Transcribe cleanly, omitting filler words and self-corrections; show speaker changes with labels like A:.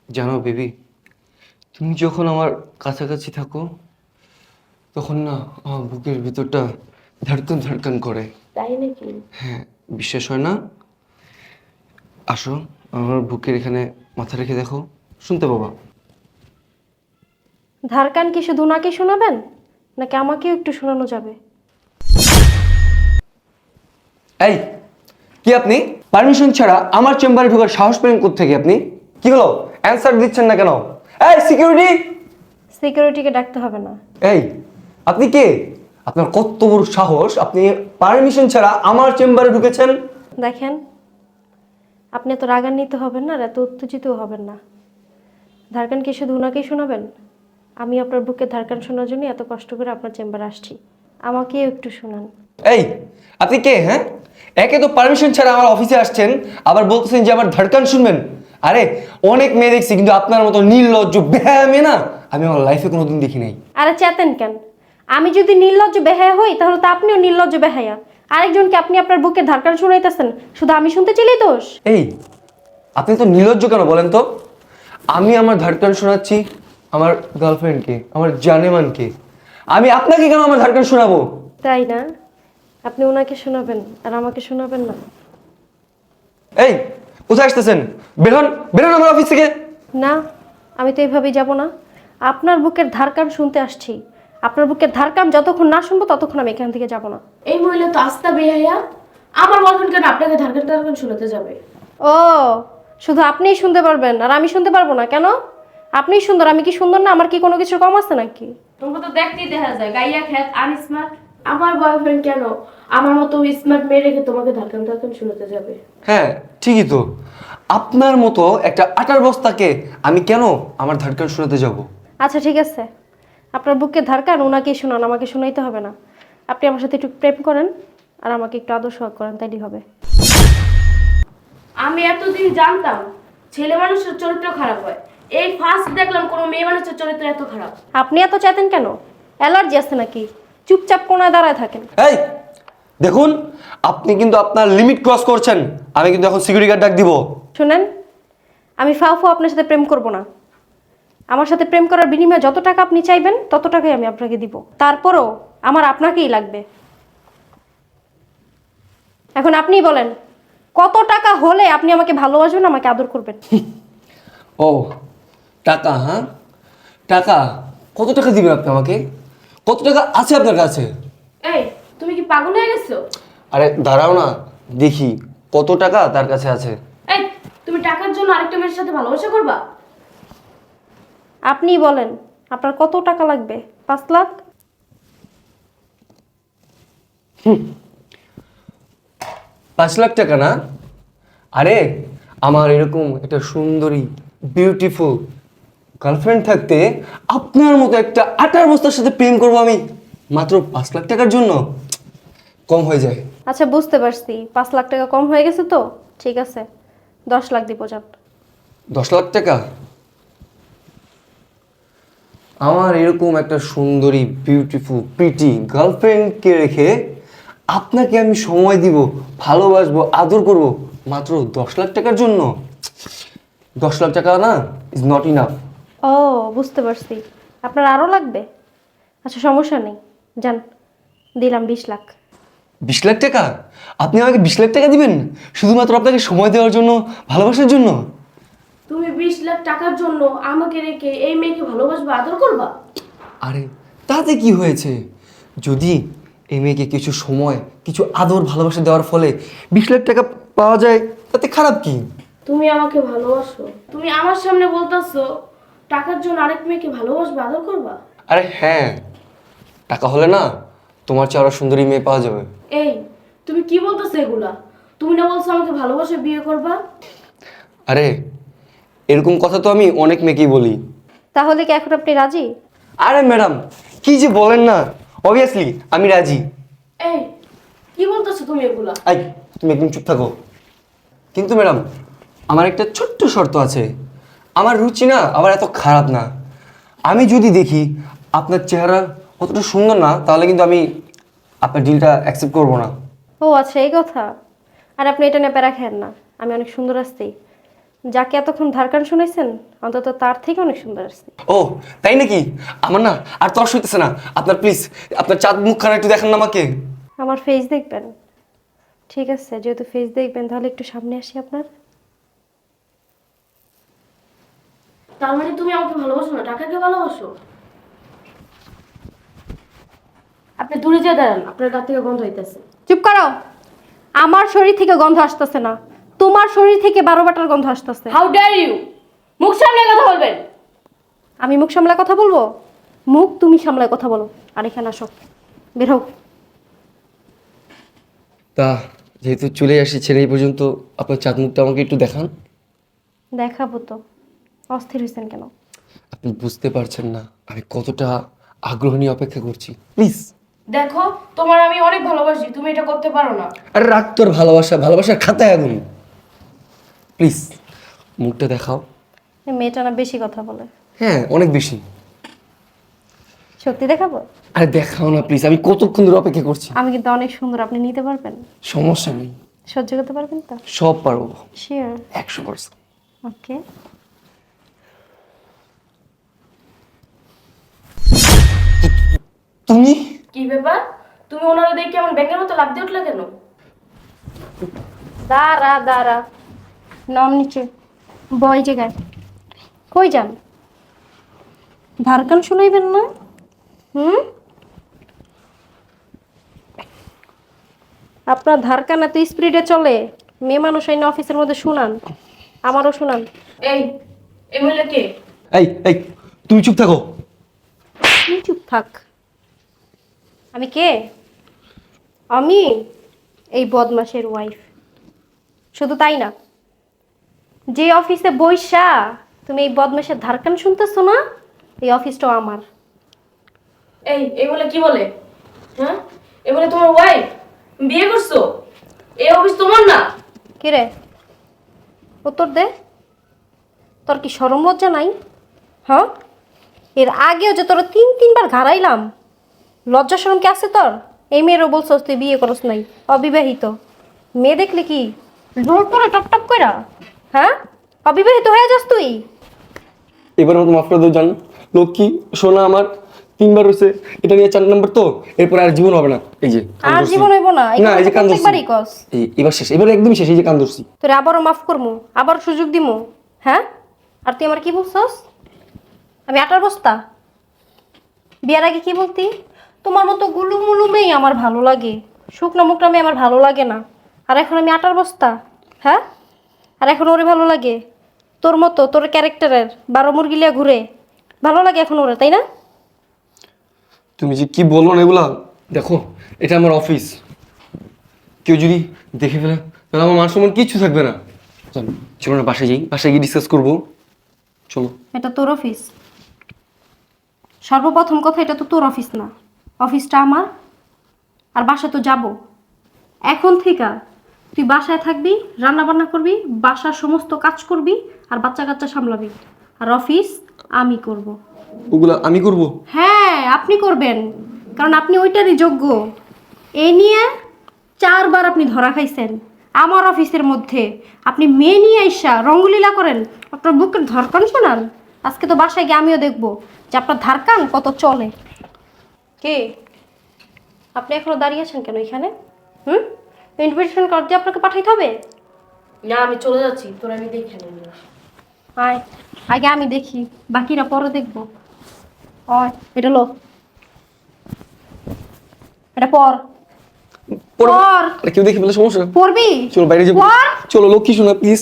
A: জানো বেবি, তুমি যখন আমার কাছাকাছি থাকো তখন না আমার বুকের ভিতরটা ধড়কন ধড়কন করে।
B: তাই নাকি?
A: হ্যাঁ, বিশ্বাস হয় না? আসো, আমার বুকের এখানে মাথা রেখে দেখো, শুনতে পাবা।
B: ধারকান কি শুধু ওনাকে শোনাবেন, নাকি আমাকেও একটু শোনানো যাবে?
A: এই, কি আপনি পারমিশন ছাড়া আমার চেম্বারে ঢোকার সাহস পেলেন কোত্থেকে আপনি? কি হলো, অ্যানসার দিচ্ছেন না কেন? এই সিকিউরিটি!
B: সিকিউরিটিকে ডাকতে হবে না।
A: এই, আপনি কে? আপনার কত বড় সাহস, আপনি পারমিশন ছাড়া আমার চেম্বারে ঢুকেছেন?
B: দেখেন, আপনি এত রাগান্বিত হবেন না আর এত উত্তেজিতও হবেন না। ধারকান কি শুধু ওনাকেই শোনাবেন? আমি আপনার বুকে ধারকান শোনার জন্য এত কষ্ট করে আপনার চেম্বারে আসছি। আমাকেও একটু শোনান।
A: এই, আপনি কে? হ্যাঁ, একে তো পারমিশন ছাড়া আমার অফিসে আসছেন, আবার বলতেছেন যে আমার ধড়কান শুনবেন। আরে, অনেক মেয়ে দেখছি, কিন্তু আপনার মতো নির্লজ্জ বেহায়া মেয়ে না আমি আমার লাইফে কোনোদিন দেখি নাই।
B: আরে চেতেন কেন? আমি যদি নির্লজ্জ বেহায়া হই তাহলে তো আপনিও নির্লজ্জ বেহায়া। আরেকজনকে আপনি আপনার বুকে ধারকান শুনাইতেছেন, শুধু আমি শুনতে চাইলেই দোষ?
A: এই, আপনি তো নির্লজ্জ কেন বলেন তো? আমি আমার ধড়কান শোনাচ্ছি আমার গার্লফ্রেন্ডকে, আমার জানেমানকে। আমি আপনাকে কেন আমার ধড়কান শোনাবো?
B: তাই না? আপনি ওনাকে শোনাবেন আর আমাকে শোনাবেন না?
A: এই, কোথায় আসতেছেন? বেরোন, বেরোন আমার অফিস থেকে।
B: না, আমি তো এইভাবেই যাব না। আপনার বুকের ধারকান শুনতে আসছি। আপনার বুকের ধারকান যতক্ষণ না শুনবো ততক্ষণ আমি এখান থেকে যাব না।
C: এই মহিলা তো আস্তা বেহায়া। আমার বয়ফ্রেন্ড কেন আপনাকে ধারকান টারকান শোনাতে যাবে?
B: ও, শুধু আপনিই শুনতে পারবেন আর আমি শুনতে পারবো না কেন? আপনিই সুন্দর, আমি কি সুন্দর না? আমার কি কোনো কিছু কম আছে নাকি?
C: তোমরা তো দেখতেই দেখা যায় গাইয়া খ্যাত আনস্মার্ট। আমার বয়ফ্রেন্ড কেন আমার মতো স্মার্ট মেয়ে রেখে তোমাকে ধারকান টারকান শোনাতে যাবে?
A: হ্যাঁ, ঠিকই তো। আপনার মতো একটা আটার বস্তাকে আমি কেন আমার ধড়কান শোনাতে যাব?
B: আচ্ছা ঠিক আছে, আপনার বুকের ধারকান ওনাকেই শোনান, আমাকে শোনাইতে হবে না। আপনি আমার সাথে একটু প্রেম করেন আর আমাকে একটু আদর সোহাগ করেন, তাইলেই হবে।
C: আমি এতদিন জানতাম ছেলে মানুষের চরিত্র খারাপ হয়, এই ফার্স্ট দেখলাম কোনো মেয়ে মানুষের চরিত্র এত খারাপ।
B: আপনি এত চাইতেন কেন? অ্যালার্জি আছে নাকি? চুপচাপ কোনায় দাঁড়ায় থাকেন।
A: এই, দেখুন, আপনি কিন্তু আপনার লিমিট ক্রস করছেন। আমি কিন্তু এখন সিকিউরিটি গার্ড ডাক দিব।
B: শুনেন, আমি ফাও আপনার সাথে প্রেম করব না। আমার সাথে প্রেম করার বিনিময়ে যত টাকা আপনি চাইবেন তত টাকাই আমি আপনাকে দিব। তারপরও আমার আপনাকেই লাগবে। এখন আপনিই বলেন, কত টাকা হলে আপনি আমাকে ভালোবাসবেন, আমাকে আদর করবেন?
A: ও, টাকা? হ্যাঁ, টাকা। কত টাকা দিবেন আপনি আমাকে? কত টাকা আছে আপনার কাছে?
C: এই, তুমি কি পাগল হয়ে গেছো?
A: আরে দাঁড়াও না, দেখি কত টাকা তার কাছে আছে।
C: এই, তুমি টাকার জন্য আরেকটা মেয়ের সাথে ভালোবাসা করবা?
B: আপনিই বলেন, আপনার কত টাকা লাগবে? 5 লাখ?
A: 5 লাখ টাকা না? আরে, আমার এরকম একটা সুন্দরী বিউটিফুল গার্লফ্রেন্ড থাকতে আপনার মতো একটা আটার বস্তার সাথে প্রেম করবো আমি মাত্র 5 লাখ টাকার জন্য? কম হয়ে যায়।
B: আচ্ছা বুঝতে পারছি, 5 লাখ টাকা কম হয়ে গেছে তো। ঠিক আছে, 10 লাখ দিব যান।
A: 10 লাখ টাকা? আমার এরকম একটা সুন্দরী বিউটিফুল প্রিটি গার্লফ্রেন্ডকে রেখে আপনাকে আমি সময় দিব, ভালোবাসবো, আদর করব মাত্র 10 লাখ টাকার জন্য? 10 লাখ টাকা না, ইজ নট ইনাফ।
B: ও, বুঝতে পারছি, আপনার আরও লাগবে। আচ্ছা সমস্যা নেই, যান, দিলাম 20 লাখ।
A: 20 লাখ টাকা? আপনি আমাকে 20 লাখ টাকা দিবেন শুধুমাত্র আপনাকে সময় দেওয়ার জন্য, ভালোবাসার জন্য?
C: তুমি 20 লাখ টাকার জন্য আমাকে রেখে এই মেয়েকে ভালোবাসবা, আদর করবা?
A: আরে, তাতে কি হয়েছে? যদি এই মেয়েকে কিছু সময়, কিছু আদর ভালোবাসা দেওয়ার ফলে 20 লাখ টাকা পাওয়া যায়, তাতে খারাপ কি?
C: তুমি আমাকে ভালোবাসো, তুমি আমার সামনে বলতাছো টাকার জন্য আরেক মেয়েকে ভালোবাসবা, আদর করবা?
A: আরে হ্যাঁ, টাকা হলে না তোমার চেয়ে আরো সুন্দরী মেয়ে পাওয়া যাবে।
C: এই, তুমি কি বলতেছো এগুলা? তুমি না বলছো আমাকে ভালোবাসে বিয়ে করবা?
A: আরে, এরকম কথা তো আমি অনেক মেয়েকেই বলি।
B: তাহলে কি এখন আপনি রাজি?
A: আরে ম্যাডাম, কি যে বলেন না, অবভিয়াসলি আমি রাজি।
C: এই, কি বলতেছো তুমি এগুলা?
A: আই, তুমি একদম চুপ থাকো। কিন্তু ম্যাডাম, আমার একটা ছোট্ট শর্ত আছে। আমার রুচি না আবার এত খারাপ না। আমি যদি দেখি আপনার চেহারা অতটা সুন্দর না, তাহলে কিন্তু আমি আপনার ডিলটা অ্যাকসেপ্ট করবো না।
B: ও আচ্ছা, এই কথা। আর আপনি এটা নিয়ে প্যারা খেয়েন না, আমি অনেক সুন্দর আসছি। যাকে এতক্ষণ ধারকান শুনাইছেন অন্তত তার থেকে অনেক সুন্দর আসছে।
A: ও তাই নাকি? আমার না আর তর সইতেছে না। আপনার প্লিজ আপনার চাঁদ মুখখানা একটু দেখান না আমাকে।
B: আমার ফেস দেখবেন? ঠিক আছে, যেহেতু ফেস দেখবেন তাহলে একটু সামনে আসি আপনার।
C: তার মানে তুমি আমাকে ভালোবাসো না, টাকাকে ভালোবাসো? আপনি দূরে যেয়ে দাঁড়ান, আপনার গা থেকে গন্ধ হইতেছে।
B: চুপ করো। আমার শরীর থেকে গন্ধ আসতেছে না, তোমার শরীর থেকে 12 বাটার গন্ধ আসতেছে।
C: How dare you! মুখ সামনে কথা বলবেন।
B: আমি মুখ সামলায় কথা বলবো? মুখ তুমি সামলায় কথা বলো। আর এখানে আসো, বের হও।
A: তা যেহেতু চলে এসেছেন এই পর্যন্ত, আপনার চাঁদ মুখটা আমাকে একটু দেখান।
B: দেখাবো তো। অস্থির হয়েছেন কেন?
A: আপনি বুঝতে পারছেন না আমি কতটা আগ্রহ নিয়ে অপেক্ষা করছি। প্লিজ।
C: দেখো, তোমার আমি অনেক ভালোবাসি, তুমি এটা করতে পারো না।
A: আরে রাগ তোর ভালোবাসা, ভালোবাসার খাতায় আগুন। প্লিজ মুখটা দেখাও।
B: এই মেয়েটা না বেশি কথা বলে।
A: হ্যাঁ অনেক বেশি।
B: সত্যি দেখাবো?
A: আরে দেখাও না প্লিজ, আমি কতক্ষণ ধরে অপেক্ষা করছি।
B: আমি কিন্তু অনেক সুন্দর, আপনি নিতে পারবেন?
A: সমস্যা নেই,
B: সহ্য করতে পারবেন তো?
A: সব পারবো।
B: শিওর?
A: 100%।
B: ওকে।
A: তুমি
C: কি ব্যাপার? তুমি ওনারা দেখে কেমন ব্যাঙের মতো লাফ দিয়ে উঠলে কেন?
B: দাঁড়া দাঁড়া, নাম নিচে বয় জায়গায়। কই যান? ধারকান শুনাইবেন না? আপনার ধারকান এত স্পিডে চলে, মেয়ে মানুষ আইন অফিসের মধ্যে শুনান, আমারও শুনান।
C: এই এমএলএ কে?
A: এই এই তুমি চুপ থাকো।
B: তুই চুপ থাক। আমি কে? আমি এই বদমাশের ওয়াইফ। শুধু তাই না, যে অফিসে বইসা তুমি এই বদমাশের ধারকান শুনতেছো না, এই অফিসটাও আমার।
C: এই এমএলএ কি বলে? হ্যাঁ, এমএলএ তোমার ওয়াইফ? বিয়ে করছো? এই অফিস তোমার না?
B: কে রে? উত্তর দে। তোর কি শরম লজ্জা নাই? হ্যাঁ, এর আগেও যে তোর 3-3বার ঘাড়াইলাম, লজ্জা শরম কি আছে তোর? এই মেয়েরও বলছস তুই বিয়ে করস নাই, অবিবাহিত। মেয়ে দেখলে কি জোর করে টপ টপ কইরা? হ্যাঁ, অবিবাহিত হয়ে যাস তুই?
A: এবার মতো মাফ করে দেবো জান। লক্ষ্মী সোনা আমার 3বার হয়েছে, এটা নিয়ে 4 নম্বর তো, এরপর আর জীবন হবে না। এই যে কান
B: আর
A: ধরছি।
B: জীবন হইব না,
A: না এই যে কান ধরছি।
B: প্রত্যেকবারই কস।
A: এবার শেষ, এবার একদমই শেষ। এই যে কান ধরছি।
B: তোর আবারও মাফ করবো, আবার সুযোগ দিমু। হ্যাঁ, আর তুই আমার কি বলছস? আমি আটার বস্তা? বিয়ার আগে কি বলতি? তোমার মতো গুলুমুলু মেয়ে আমার ভালো লাগে, শুকনো মুখটা মেয়ে আমার ভালো লাগে না। আর এখন আমি আটার বস্তা? হ্যাঁ, আর এখন ওরে ভালো লাগে? তোর মতো তোর ক্যারেক্টারের 12 মুরগি লিয়া ঘুরে ভালো লাগে এখন ওরে, তাই না?
A: তুমি যে কি বলবো না এগুলা। দেখো এটা আমার অফিস, কেউ যদি দেখে ফেলে তাহলে আমার মান সম্মান কিচ্ছু থাকবে না। চলো চলো না বাসায় যাই, বাসায় গিয়ে ডিসকাস করবো। চলো।
B: এটা তোর অফিস। সর্বপ্রথম কথা, এটা তো তোর অফিস না, অফিসটা আমার। আর বাসা তো যাব। এখন থেকে তুই বাসায় থাকবি, রান্না বান্না করবি, বাসার সমস্ত কাজ করবি, আর বাচ্চা কাচ্চা সামলাবি। আর অফিস আমি করব।
A: ওগুলা আমি করবো?
B: হ্যাঁ, আপনি করবেন, কারণ আপনি ওইটারই যোগ্য। এই নিয়ে 4বার আপনি ধরা খাইছেন আমার অফিসের মধ্যে। আপনি মেয়ে নিয়ে আইসা রঙ্গলীলা করেন, আপনার বুকের ধরকান শোনান। আজকে তো বাসায় গিয়ে আমিও দেখবো যে আপনার ধারকান কত চলে। কে আপনি? এখনো দাঁড়িয়ে আছেন কেন এখানে? ইনভিটেশন কার্ড দিয়ে আপনাকে পাঠাইতে হবে?
C: না, আমি চলে যাচ্ছি, তোর আমি দেখে নেব।
B: আয়, আগে আমি দেখি, বাকিরা পরে দেখবো। আয়, এটা লো, এটা পর।
A: পড়ো।
B: পর।
A: আরে কেউ দেখে ফেলে সমস্যা।
B: পড়বি?
A: চলো বাইরে যাবো।
B: পর।
A: চলো লক্ষ্মী শোনা প্লিজ।